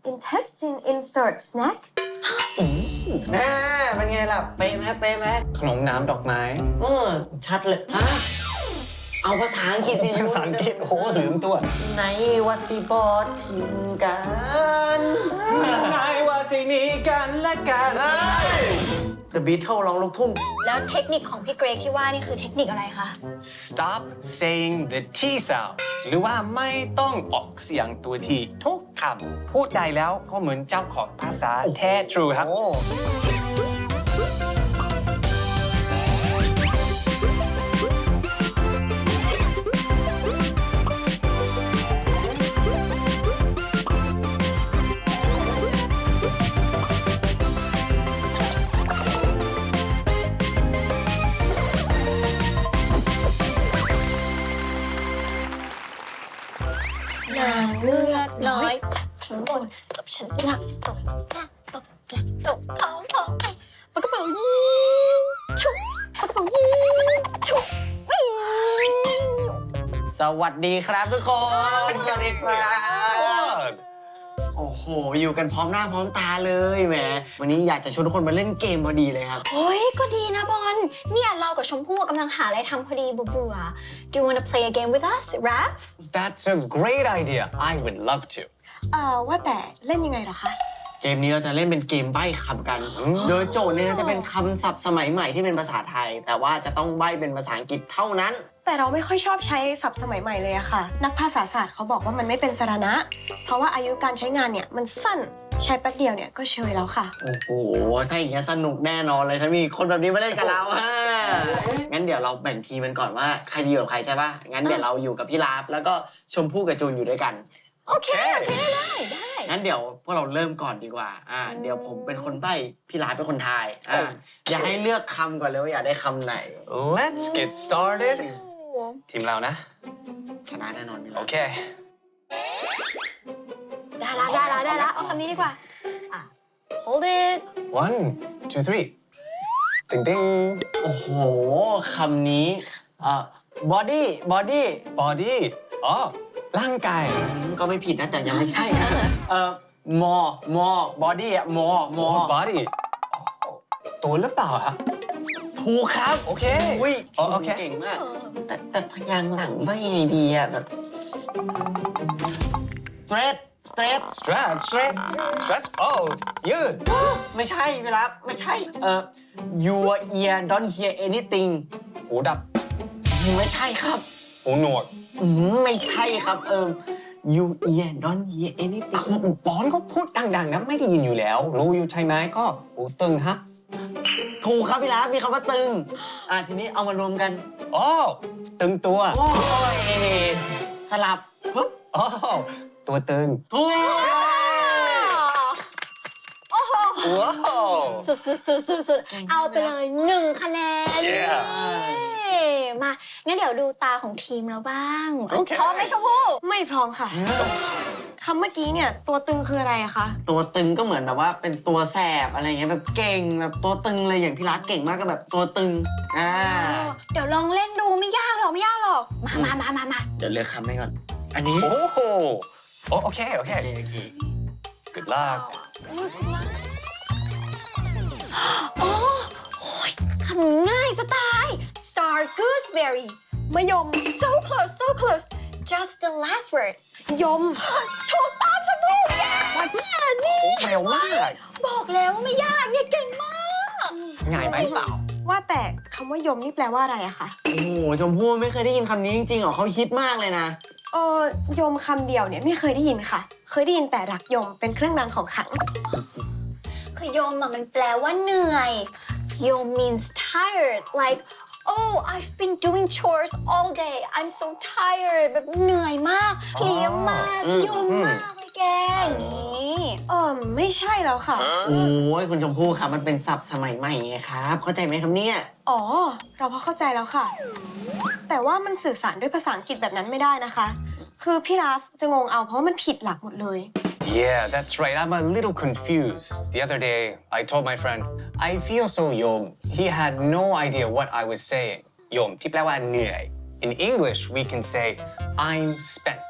intestine insert snack แม่เป็นไงล่ะเป๊ะไหมขนมน้ำดอกไม้ชัดเลยฮะเอาภาษาอังกฤษสิภาษาอังกฤษโอ้ลืมตัวในวัดสิบอดพิมพ์กันนายว่าสิมีกันและกัน The Beatles ร้องลูกทุ่งแล้วเทคนิคของพี่เกรกที่ว่านี่คือเทคนิคอะไรคะ Stop saying the T sound หรือว่าไม่ต้องออกเสียงตัวทีทุกคำพูดได้แล้วก็เหมือนเจ้าของภาษาแท้ true ครับนางเงือกน้อยฉันบนตบฉันหนักตบหน้าตบหลังตบท้องปากกระเป๋ายิงชุบปากกระเป๋ายิงชุบสวัสดีครับทุกคนสวัสดีครับโอ้โห อยู่กันพร้อมหน้าพร้อมตาเลยแหมวันนี้อยากจะชวนทุกคนมาเล่นเกมพอดีเลยครับโอ้ยก็ดีนะบอลเนี่ยเรากับชมพู่กำลังหาอะไรทำพอดีเบื่อ Do you want to play a game with us, Raph? That's a great idea I would love to ว่าแต่เล่นยังไงเหรอคะเกมนี้เราจะเล่นเป็นเกมใบ้คำกัน โดยโจทย์เนี่ยจะเป็นคำศัพท์สมัยใหม่ที่เป็นภาษาไทย แต่ว่าจะต้องใบ้เป็นภาษาอังกฤษเท่านั้นแต่เราไม่ค่อยชอบใช้ศัพท์สมัยใหม่เลยอะค่ะ นักภาษาศาสตร์เขาบอกว่ามันไม่เป็นสาระ เพราะว่าอายุการใช้งานเนี่ยมันสั้น ใช้แป๊บเดียวเนี่ยก็เชยแล้วค่ะโอ้โห ถ้าอย่างเงี้ยสนุกแน่นอนเลยถ้ามีคนแบบนี้มาเล่นกับเราฮะงั้นเดี๋ยวเราแบ่งทีมกันก่อนว่าใครจะอยู่กับใครใช่ปะงั้นเดี๋ยวเราอยู่กับพี่ลาฟแล้วก็ชมพู่กับจูนอยู่ด้วยกันโอเคได้งั้นเดี๋ยวพวกเราเริ่มก่อนดีกว่า เดี๋ยวผมเป็นคนใบ้พี่ลาฟเป็นคนทาย อยากให้เลือกคำก่อนเลยว่าอยากได้คำไหน Let's get started ทีมเรานะชนะแน่นอนพี่ลาฟโอเคได้ละเอาคำนี้ดีกว่าHold it one two three ติงติงโอ้โห คำนี้body body อ๋อร่างกายก็ไม่ผิดนะแต่ยังไม่ใช่นะbody อะ more body ตัวหรือเปล่าครับถูกครับโอเคอุ้ยโอเคเก่งมาก แต่พยางค์หลังไม่ไงดีอะแบบ straight stretch โอ้ยืดไม่ใช่เวลาไม่ใช่your ear don't hear anything หูดับไม่ใช่ครับหูหนวกไม่ใช่ครับyour ear don't hear anything บอลก็พูดดังๆนะไม่ได้ยินอยู่แล้ว รู้อยู่ใช่ไหมก็หูตึงฮะถูกครับพี่ลาฟมีคำว่าตึงทีนี้เอามารวมกันอ๋อตึงตัวโอ้ยสลับปึ๊บอ๋อตัวตึงถูกว้าวสุดเอาไปเลย1 คะแนน มางั้นเดี๋ยวดูตาของทีมเราบ้างโอเคพร้อมไหมชมพู่ไม่พร้อมค่ะคำเมื่อกี้เนี่ยตัวตึงคืออะไรอะคะตัวตึงก็เหมือนแบบว่าเป็นตัวแสบอะไรเงี้ยแบบเก่งแบบตัวตึงเลยอย่างพี่รักเก่งมากก็แบบตัวตึงเดี๋ยวลองเล่นดูไม่ยากหรอกมาเดี๋ยวเลือกคำให้ก่อน อันนี้โอ้โหโอเคโอเค good luck โอ้ยคำนี้ง่ายจะตาย Star Gooseberry มะยม so close just the last word ยมถูกต้องชมพู่นี่เร็วมากบอกแล้วว่าไม่ยากเนี่ยเก่งมากง่ายไหมเปล่าว่าแต่คำว่ายมนี่แปลว่าอะไรอะคะโอ้โหชมพู่ไม่เคยได้ยินคำนี้จริงๆหรอเขาฮิตมากเลยนะยมคำเดียวเนี่ยไม่เคยได้ยินค่ะ เคยได้ยินแต่รักยมเป็นเครื่องรางของขลังคือยมมันแปลว่าเหนื่อย ยม means tired like oh I've been doing chores all day I'm so tired แบบเหนื่อยมากเพลียมากยมมากเลยแกอย่างนี้ไม่ใช่แล้วค่ะโอ้ยคุณชมพู่ครับมันเป็นศัพท์สมัยใหม่ไงครับ เข้าใจไหมครับเนี่ยเราพอเข้าใจแล้วค่ะ แต่ว่ามันสื่อสารด้วยภาษาอังกฤษแบบนั้นไม่ได้นะคะ คือพี่ราฟจะงงเอาเพราะว่ามันผิดหลักหมดเลย Yeah, that's right. I'm a little confused. The other day, I told my friend, I feel so yom. He had no idea what I was saying. Yom, ที่แปลว่าเหนื่อย In English, we can say, I'm spent.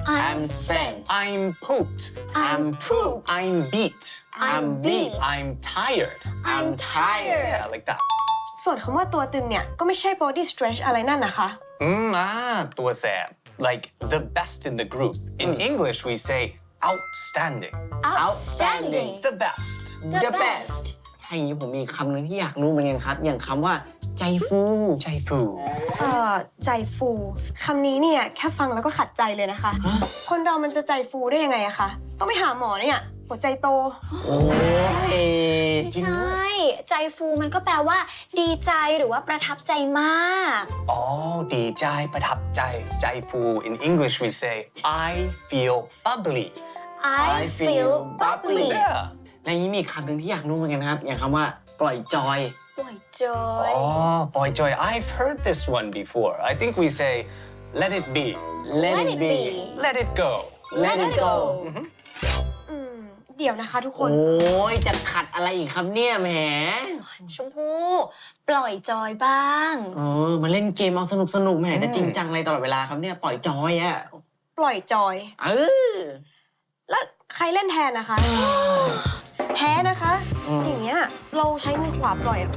I'm spent I'm pooped I'm pooped I'm beat I'm beat I'm tired I'm tired yeah like that ส่วนคำว่าตัวตึงเนี่ยก็ไม่ใช่ body stretch อะไรนั่นนะคะตัวแสบ like the best in the group in English we say outstanding outstanding the best the best ถ้าอย่างนี้ผมมีคำหนึ่งที่อยากรู้เหมือนกันครับ อย่างคำว่าใจฟูใจฟูใจฟูคำนี้เนี่ยแค่ฟังแล้วก็ขัดใจเลยนะคะ คนเรามันจะใจฟูได้ยังไงอะคะต้องไปหาหมอเนี่ยหัวใจโตโอ้ยไม่ใช่ ใจฟูมันก็แปลว่า ดีใจหรือว่าประทับใจมากอ๋อดีใจประทับใจใจฟู in English we say I feel bubbly I feel bubbly yeah ในนี้มีคำหนึ่งที่อยากรู้เหมือนกันครับ อย่างคำว่าปล่อยจอยปล่อยจอย oh boy joy I've heard this one before I think we say let it be Let Let it it be be let it go Let it go เดี๋ยวนะคะทุกคนโอ้ยจะขัดอะไรอีกครับเนี่ยแหมชมพู่ปล่อยจอยบ้างมาเล่นเกมเอาสนุกแหมจะจริงจังอะไรตลอดเวลาครับเนี่ยปล่อยจอยอะปล่อยจอยอแล้วใครเล่นแทนนะคะ แพ้นะคะ อย่างเงี้ยเราใช้มือขวาปล่อยอะ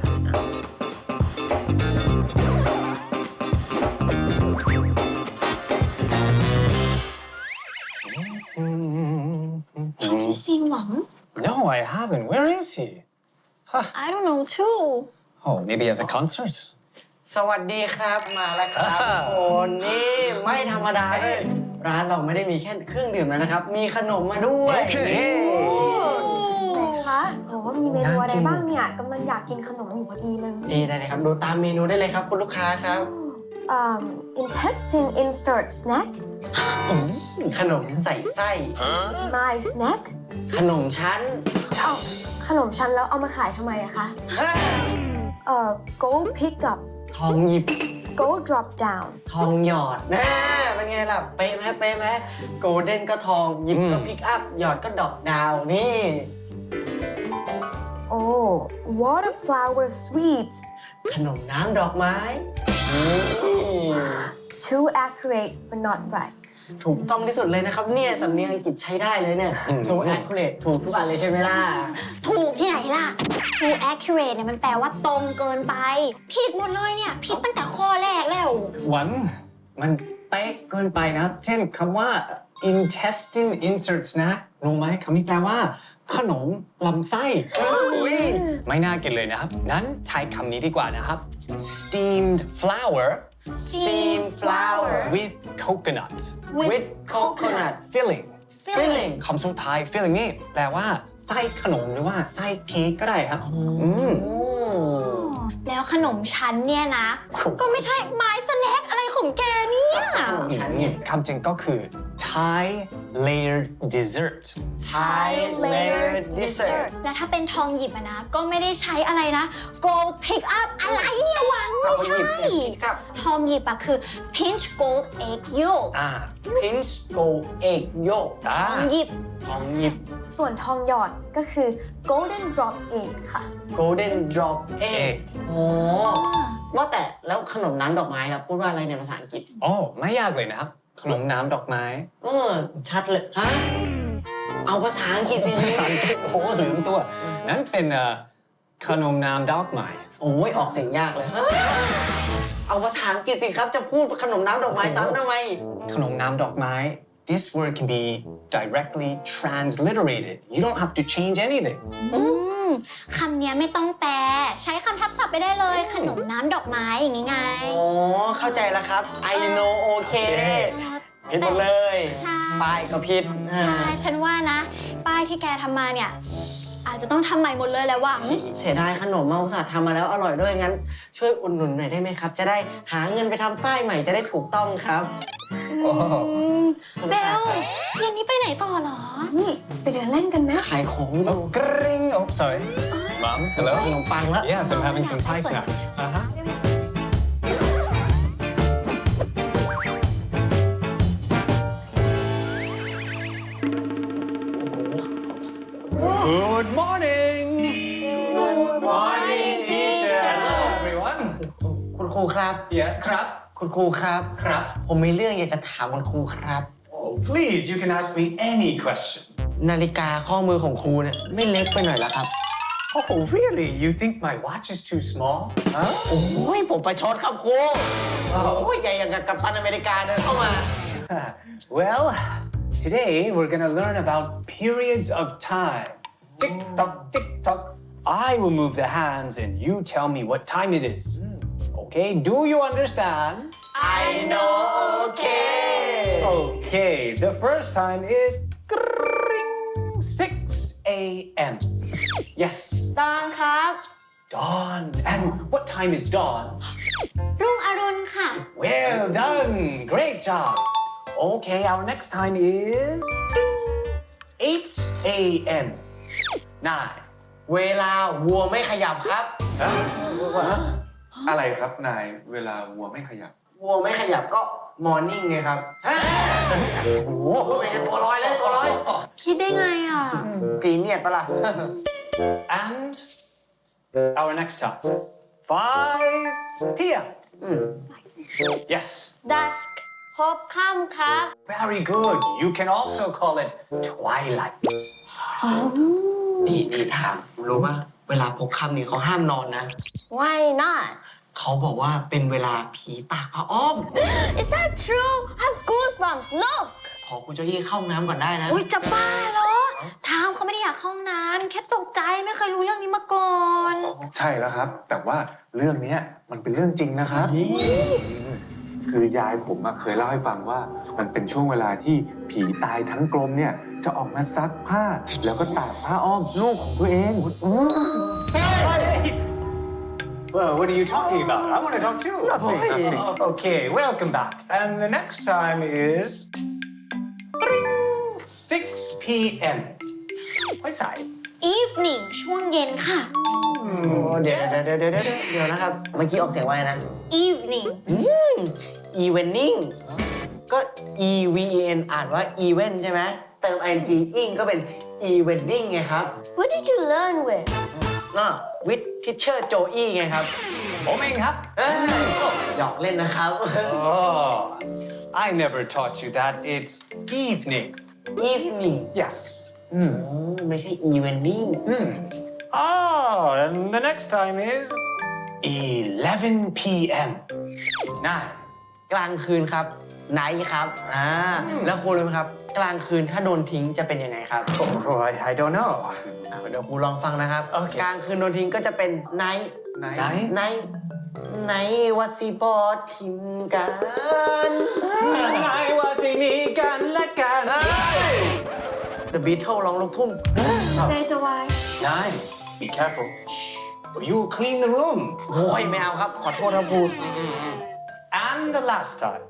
Have you seen Mom? no I haven't where is he I don't know too oh maybe as a concert สวัสดีครับมาแล้วครับทุกคนนี่ไม่ธรรมดาเลยร้านเราไม่ได้มีแค่เครื่องดื่มแล้วนะครับ มีขนมมาด้วยโอเคคะโอ้มีเมนูอะไรบ้างเนี่ยกำลังอยากกินขนมอยู่พอดีเลยนี่ได้เลยครับดูตามเมนูได้เลยครับคุณลูกค้าครับ intestine insert snack ขนมใส่ไส้ my snack ขนมชั้นเอาขนมชั้นแล้วเอามาขายทำไมอะคะ go pick up ทองหยิบ go drop down ทองหยอดนะเป็นไงล่ะเป๊ะไหมโกลเด้นก็ทองหยิบก็พิกอัพหยอดก็ดอกดาวนี่ oh water flower sweets ขนมน้ำดอกไม้ too accurate but not right ถูกต้องที่สุดเลยนะครับเนี่ยสำเนียงอังกฤษใช้ได้เลยเนี่ย too accurate ถูกทุกอันเลยใช่ไหมล่ะถูกที่ไหนล่ะ True accurate เนี่ยมันแปลว่าตรงเกินไป ผิดหมดเลยเนี่ย ผิดตั้งแต่ข้อแรกแล้วหวันมันเป๊ะเกินไปนะครับ เช่นคำว่า intestine inserts นะรู้ไหมคำนี้แปลว่า ขนมลำไส้อุ๊ยไม่น่ากินเลยนะครับ นั้นใช้คำนี้ดีกว่านะครับ steamed flour Steamed flour with coconut with coconut filling filling คำสุดท้าย filling นี่แปลว่าไส้ขนมหรือว่าไส้เค้กก็ได้ครับมแล้วขนมชั้นเนี่ยนะ ก็ไม่ใช่ไม้สแน็คอะไรของแกเนี่ยขนมชั้นเนี่ยคำจริงก็คือ Thai layered dessert Thai layered dessert และถ้าเป็นทองหยิบอะนะ ก็ไม่ได้ใช้อะไรนะ gold pick up อะไรเนี่ยหวังไม่ใช่ครับทองหยิบอะคือ pinch gold egg yolk pinch gold egg yolk ทองหยิบทองหยิบส่วนทองหยอดก็คือ golden drop egg ค่ะ golden drop egg egg โอ้ว่าแต่แล้วขนมน้ำดอกไม้ล่ะพูดว่าอะไรในภาษาอังกฤษอ๋อไม่ยากเลยนะครับ ขนมน้ำดอกไม้ชัดเลยฮะเอาภาษาอังกฤษสิภาษาอังกฤษโอ้โหลืมตัว นั้นเป็นขนมน้ำดอกไม้โอ้ยออกเสียงยากเลยเอาภาษาอังกฤษสิครับจะพูดขนมน้ำดอกไม้ซ้ำทำไมขนมน้ำดอกไม้ this word can be directly transliterated you don't have to change anything คำเนี้ยไม่ต้องแปล ใช้คำทับศัพท์ไปได้เลย ขนมน้ำดอกไม้อย่างงี้ไงอ๋อเข้าใจแล้วครับ I know okay ผิดหมดเลยใช่ป้ายก็ผิดใช่ ฉันว่านะ ป้ายที่แกทำมาเนี่ย อาจจะต้องทำใหม่หมดเลยแหละหวังเสียดายขนมมาอุตส่าห์ทำมาแล้วอร่อยด้วยงั้น ช่วยอุดหนุนหน่อยได้ไหมครับ จะได้หาเงินไปทำป้ายใหม่จะได้ถูกต้องครับเบลเย็นนี้ไปไหนต่อเหรอนี่ไปเดินเล่นกันไหมขายของอยู่ oh gring oh sorry mom ข hello นมปังแล้ว yes I'm having some Thai snacks Good morning Good morning teacher Hello everyone คุณครูครับ yeah ครับคุณครูครับครับผมมีเรื่องอยากจะถามคุณครูครับโอ้ please, you can ask me any question. นาฬิกาข้อมือของครูเนี่ยไม่เล็กไปหน่อยละครับ Oh, really? You think my watch is too small? Huh? โอ้ยผมประชดครับครูโอ้ยใหญ่อย่างกับกัปตันอเมริกาเดินเข้ามา Well, today we're gonna learn about periods of time. Tick tock, tick tock. I will move the hands and you tell me what time it is. Okay, do you understand? I know okay Okay, the first time is 6 a.m. Yes, ตอนครับ dawn. And what time is dawn? รุ่งอรุณค่ะ Well done. Great job. Okay, our next time is 8 a.m. 9. เวลาวัวไม่ขยับครับอะไรครับนายเวลาวัวไม่ขยับวัวไม่ขยับก็ morning ไงครับโอ้โหตัวลอยเลยตัวลอยคิดได้ไงอ่ะจีเนียดปะล่ะ And our next time, 5 p.m. Yes, dusk พบค่ำครับ very good. You can also call it twilight. นี่ถามรู้ป่ะเวลาพบค่ำนี่เขาห้ามนอนนะ why not เขาบอกว่าเป็นเวลาผีตากผ้าอ้อม is that true I have goosebumps look ขอคุณเจ้าที่เข้าน้ำก่อนได้นะอุ้ยจะบ้าเหรอทามเขาไม่ได้อยากเข้าห้องน้ำแค่ตกใจไม่เคยรู้เรื่องนี้มาก่อนใช่แล้วครับ แต่ว่าเรื่องเนี้ยมันเป็นเรื่องจริงนะครับคือยายผมเคยเล่าให้ฟังว่ามันเป็นช่วงเวลาที่ผีตายทั้งกลมเนี่ยจะออกมาซักผ้า แล้วก็ตากผ้าอ้อมลูกของตัวเอง Well, what are you talking about? I want to talk too. Nothing. Okay, welcome back. And the next time is 6 p.m. ไม่สาย evening ช่วงเย็นค่ะเดี๋ยวนะครับ เมื่อกี้ออกเสียงว่าไงนะ evening evening ก็ e v e n อ่านว่า event ใช่ไหมเติม ing ing ก็เป็น evening ไงครับ what did you learn with ก็ with teacher Joey ไงครับผมเองครับหยอกเล่นนะครับ Oh, I never taught you that. It's evening. evening Yes. ไม่ใช่ evening Oh, and the next time is 11 p.m. 9. กลางคืนครับ night ครับแล้วคุณรู้ไหมครับ กลางคืนถ้าโดนทิ้งจะเป็นยังไงครับ Oh, I don't know. เดี๋ยวครูลองฟังนะครับโอเคกลางคืนโดนทิ้งก็จะเป็น night Night? night วัดสิบอทิมกันไหนว่าสิมีกันและกัน The Beatles ร้องลูกทุ่งใจจะวาย Nine. Be careful. Or you will clean the room. โอ้ยไม่เอาครับ ขอโทษครับครู And the last time.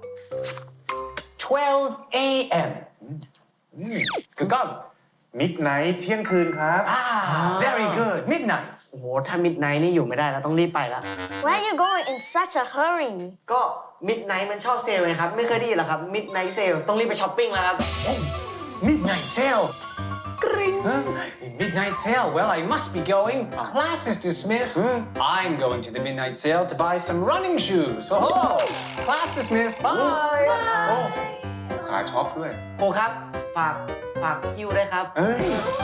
12 a.m. Good gone. มิดไนท์เที่ยงคืนครับ Very good. Midnight. โอ้โห ถ้า Midnight นี่อยู่ไม่ได้แล้วต้องรีบไปแล้ว where are you going in such a hurry ก็ Midnight มันชอบเซลล์ไงครับ ไม่เคยได้ยินหรอครับ Midnight Sale ต้องรีบไปช้อปปิ้งแล้วครับ Midnight sale. Midnight sale. Well, I must be going. Class is dismissed. I'm going to the midnight sale to buy some running shoes. Oh, class dismissed. Bye. โอ้ขาช็อปด้วยครูครับ ฝากคิวด้วยครับเอ้ย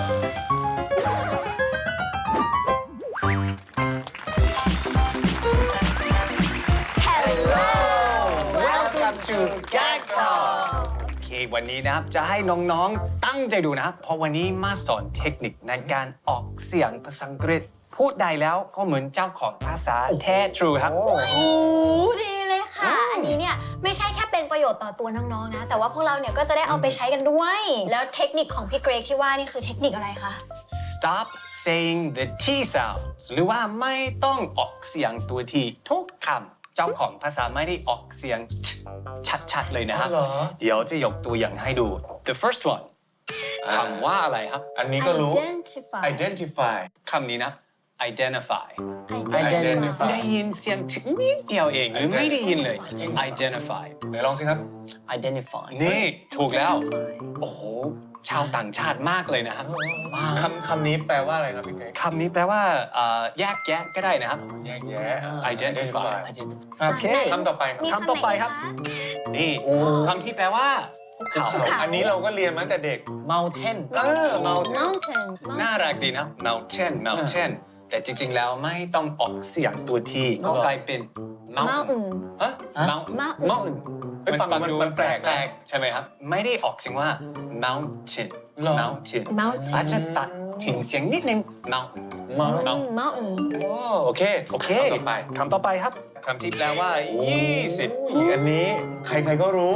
Welcome to Gag Talk โอเค วันนี้นะครับ จะให้น้องๆ ตั้งใจดูนะครับ เพราะวันนี้มาสอนเทคนิคในการออกเสียงภาษาอังกฤษ พูดได้แล้วก็เหมือนเจ้าของภาษาแท้ true ครับโอ้ดีเลยค่ะ อันนี้เนี่ยไม่ใช่แค่เป็นประโยชน์ต่อตัวน้องๆนะ แต่ว่าพวกเราเนี่ยก็จะได้เอาไปใช้กันด้วย แล้วเทคนิคของพี่เกรกที่ว่านี่คือเทคนิคอะไรคะ Stop saying the T sounds หรือว่าไม่ต้องออกเสียงตัว T ทุกคำเจ้าของภาษาไม่ได้ออกเสียง ชัดๆเลยนะครับอ๋อเหรอเดี๋ยวจะยกตัวอย่างให้ดู The first one คำว่าอะไรครับอันนี้ก็รู้ identify identify คำนี้นะ identify identify ได้ยินเสียงนิดเดียวเองหรือไม่ได้ยินเลย identify ไหนลองสิครับ Identify นี่ถูกแล้ว โอ้โห ชาวต่างชาติมากเลยนะครับคำนี้แปลว่าอะไรครับพี่เกรกคำนี้แปลว่าแยกแยะก็ได้นะครับแยกแยะ identify ครับโอเคคำต่อไปครับมีคำต่อไปครับ นี่คำที่แปลว่าเขาอันนี้เราก็เรียนมาตั้งแต่เด็ก mountain mountain mountain น่ารักดีนะ mountain แต่จริงๆแล้วไม่ต้องออกเสียงตัวที่ก็กลายเป็น mountain ฮะ mountain เฮ้ยฟังมันแปลกนะใช่ไหมครับ ไม่ได้ออกเสียงว่า mountain หรอ mountain mountain อาจจะตัดถึงเสียงนิดนึง mountain mountain โอเคโอเคคำต่อไปคำต่อไปครับคำที่แปลว่า 20 อุ้ยอันนี้ใครๆก็รู้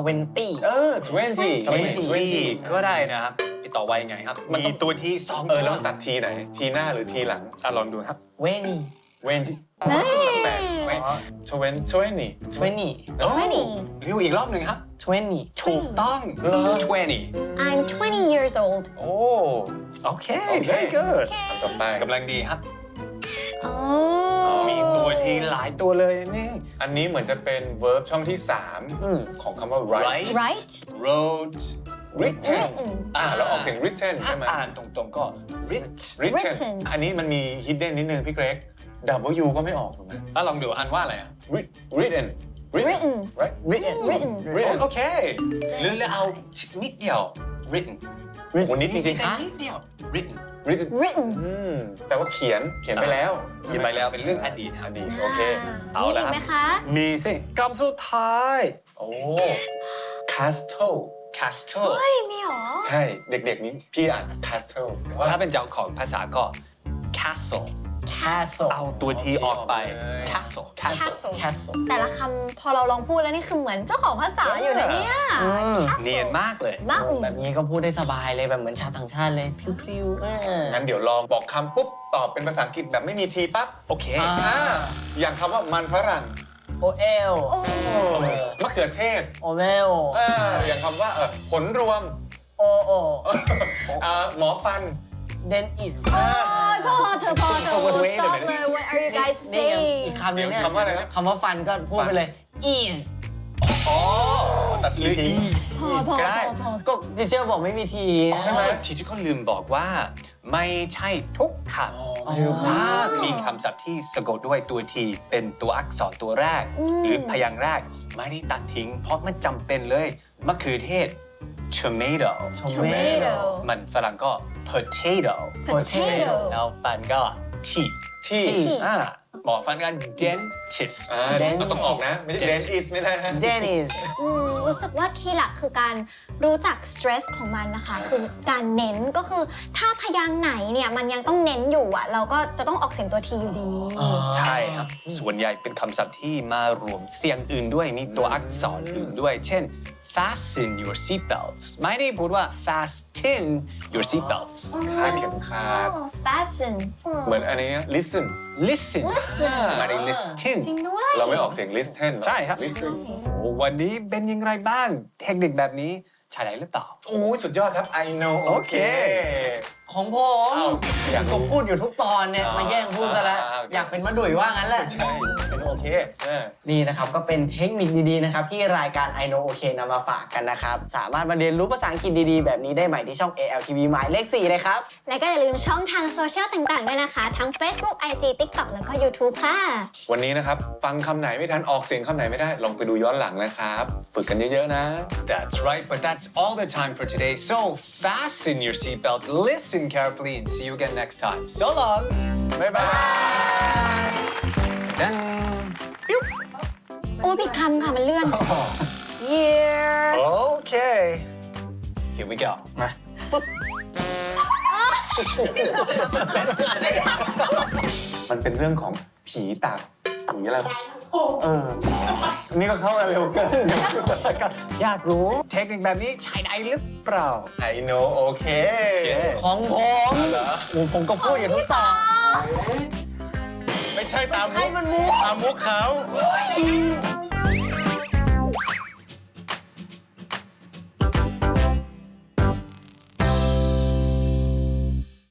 20 20 ก็ได้นะครับพี่ต่อไว้ไงครับมันมีต้องตัวที่2 แล้วมันตัดทีไหน ทีหน้าหรือทีหลังลองดูครับ 20 เวนที่แปลกไหม20 20 โอ้ 20 เรียวอีกรอบหนึ่งครับ 20 ถูกต้อง 20 I'm 20 years old โอ้โอเค very good คำต่อไปกำลังดีครับ oh มีตัวที่หลายตัวเลยนี่อันนี้เหมือนจะเป็น verb ช่องที่ 3 ของคำว่า write right wrote written written เราออกเสียง written ถ้าใช่ไหมอ่านตรงๆก็ writ written อันนี้มันมี hidden นิดนึงพี่เกรก W ก็ไม่ออกถูกไหมลองดูอ่านว่าอะไรอ่ะ written written right written written โอเคหรือเอานิดเดียว written โอ้โหนิดจริงๆแค่นิดเดียว written written written แปลว่าเขียนไปแล้วเขียนไปแล้วเป็นเรื่องอดีตครับอดีตโอเคเอามีละอีกไหมคะมีสิคำสุดท้ายโอ้ castle castle เฮ้ย มีเหรอใช่เด็กๆนี้พี่อ่าน castle ถ้าเป็นเจ้าของภาษาก็ castle castle เอาตัวทีออกไปโอเค castle castle castle แต่ละคำพอเราลองพูดแล้วนี่คือเหมือนเจ้าของภาษาอยู่นะเนี่ย castle เนียนมากเลย mountain แบบนี้ก็พูดได้สบายเลยแบบเหมือนชาวต่างชาติเลยพริ้วๆงั้นเดี๋ยวลองบอกคำปุ๊บ ตอบเป็นภาษาอังกฤษแบบไม่มีทีปั๊บโอเคอย่างคำว่ามันฝรั่งโอเอลมะเขือเทศโอเมลอย่างคำว่าผลรวมโอโอหมอฟันเดนอิสโอ้ยพอเธอ stop เลย what are you guys นี่ไง saying อีกคำหนึงเนี่ยคำว่าอะไรนะคำว่าฟันก็พูดไปเลย อีสอ๋อตัดทีทีพอก็ได้ก็จิเจอร์บอกไม่มีทีใช่ไหมทีที่เขาลืมบอกว่า ไม่ใช่ทุกคำหรือว่ามีคำศัพท์ที่สะกดด้วยตัวทีเป็นตัวอักษรตัวแรก หรือพยางค์แรกไม่ได้ตัดทิ้ง เพราะมันจำเป็นเลยมะเขือเทศ tomato tomato มันฝรั่งก็ potato potato แล้วฟันก็ teeth ที่หมอฟันก็ dentist เราต้องออกนะ ไม่ใช่ dentist ไม่ได้นะเดนิสรู้สึกว่าคีย์หลักคือการรู้จัก stress ของมันนะคะ คือการเน้นก็คือถ้าพยางค์ไหนเนี่ยมันยังต้องเน้นอยู่อ่ะ เราก็จะต้องออกเสียงตัวทีอยู่ดีใช่ครับ ส่วนใหญ่เป็นคำศัพท์ที่มารวมเสียงอื่นด้วย มีตัวอักษรอื่นด้วย เช่น fasten your seatbelts ไม่ได้พูดว่า fasten your seatbelts คาดเข็มขัด fasten เหมือนอันนี้ listen listen ไม่ได้ listen จริงด้วยเราไม่ออกเสียง listen หรอใช่ครับ listen โอ้วันนี้เป็นยังไงบ้าง เทคนิคแบบนี้ใช้ได้หรือเปล่าโอ้สุดยอดครับ I know โอเคของผมอ้าวอยากรู้ผมพูดอยู่ทุกตอนเนี่ย มาแย่งพูดซะแล้วโอเคอยากเป็นมะดุยว่างั้นแหละใช่เป็นโอเคนี่นะครับ ก็เป็นเทคนิคดีๆนะครับ ที่รายการ I Know OK นำมาฝากกันนะครับ สามารถมาเรียนรู้ภาษาอังกฤษดีๆ แบบนี้ได้ใหม่ที่ช่อง ALTV หมายเลข 4 เลยครับและก็อย่าลืมช่องทางโซเชียลต่างๆด้วยนะคะ ทั้ง Facebook IG TikTok แล้วก็ YouTube ค่ะวันนี้นะครับ ฟังคำไหนไม่ทันออกเสียงคำไหนไม่ได้ ลองไปดูย้อนหลังนะครับ ฝึกกันเยอะๆนะ That's right, but that's all the time for today. So fasten your seatbelts, listen carefully, and see you again next time. So long. บ๊ายบาย Dun. โอ้ยผิดคำค่ะ มันเลื่อน Here Okay. Here we go. มันเป็นเรื่องของผีตาผีอะไรนี่ก็เข้ามาเร็วเกินอยากรู้เทคนิคแบบนี้ใช้ได้หรือเปล่า I know โอเคของผมโอ้ผมก็พูดอยู่ทุกตอนไม่ใช่ตามให้มันมุกตามมุกเขา